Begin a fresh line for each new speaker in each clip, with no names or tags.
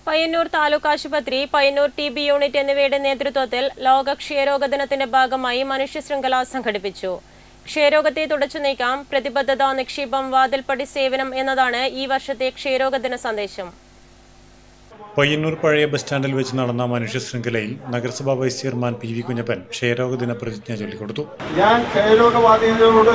പയ്യന്നൂർ താലൂക്ക് ആശുപത്രി, Payyanur TB unit എന്നിവയുടെ നേതൃത്വത്തിൽ ലോക ക്ഷയരോഗ ദിനത്തിന്റെ ഭാഗമായി മനുഷ്യ ശൃംഖല സംഘടിപ്പിച്ചു. ക്ഷയരോഗത്തെ തുടച്ചു നീക്കാം, പ്രതിബദ്ധത, നിക്ഷേപം, വാതിൽപ്പടി സേവനം എന്നതാണ് ഈ വർഷത്തെ ക്ഷയരോഗ ദിന സന്ദേശം.
പയ്യന്നൂർ പഴയ ബസ് സ്റ്റാൻഡിൽ വെച്ച് നടന്ന മനുഷ്യ ശൃംഖലയിൽ നഗരസഭാ വൈസ് ചെയർമാൻ PV കുഞ്ഞപ്പൻ ക്ഷയരോഗ ദിന പ്രതിജ്ഞ ചൊല്ലിക്കൊടുത്തു.
ഞാൻ ക്ഷയരോഗബാധിതരോട്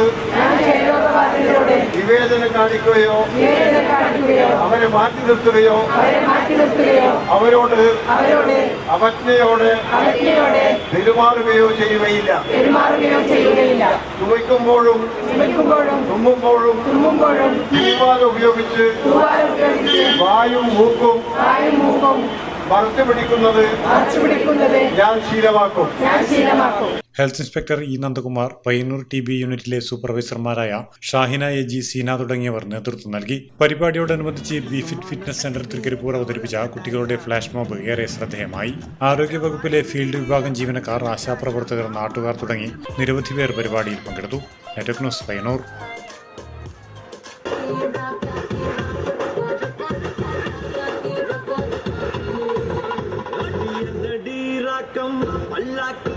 വിവേചനം കാണിക്കുകയോ അവരെ മാറ്റി നിർത്തുകയോ അവരോട് അവജ്ഞയോടെ പെരുമാറുകയോ ചെയ്യുകയില്ല. ചുമയ്ക്കുമ്പോഴും തുമ്മുമ്പോഴും തിരുമാല ഉപയോഗിച്ച് വായും മൂക്കും മറച്ചു പിടിക്കുന്നത് ഞാൻ ശീലമാക്കും.
Health inspector E. Nandakumar, Payyanur TB യൂണിറ്റിലെ സൂപ്പർവൈസർമാരായ ഷാഹിന AG, സീന തുടങ്ങിയവർ നേതൃത്വം നൽകി. പരിപാടിയോടനുബന്ധിച്ച് BFIT ഫിറ്റ്നസ് സെന്റർ തൃക്കരിപ്പൂർ അവതരിപ്പിച്ച കുട്ടികളുടെ ഫ്ലാഷ് മോബ് ഏറെ ശ്രദ്ധേയമായി. ആരോഗ്യവകുപ്പിലെ ഫീൽഡ് വിഭാഗം ജീവനക്കാർ, ആശാപ്രവർത്തകർ, നാട്ടുകാർ തുടങ്ങി നിരവധി പേർ പരിപാടിയിൽ പങ്കെടുത്തു. Network news, Payyanur.
Allah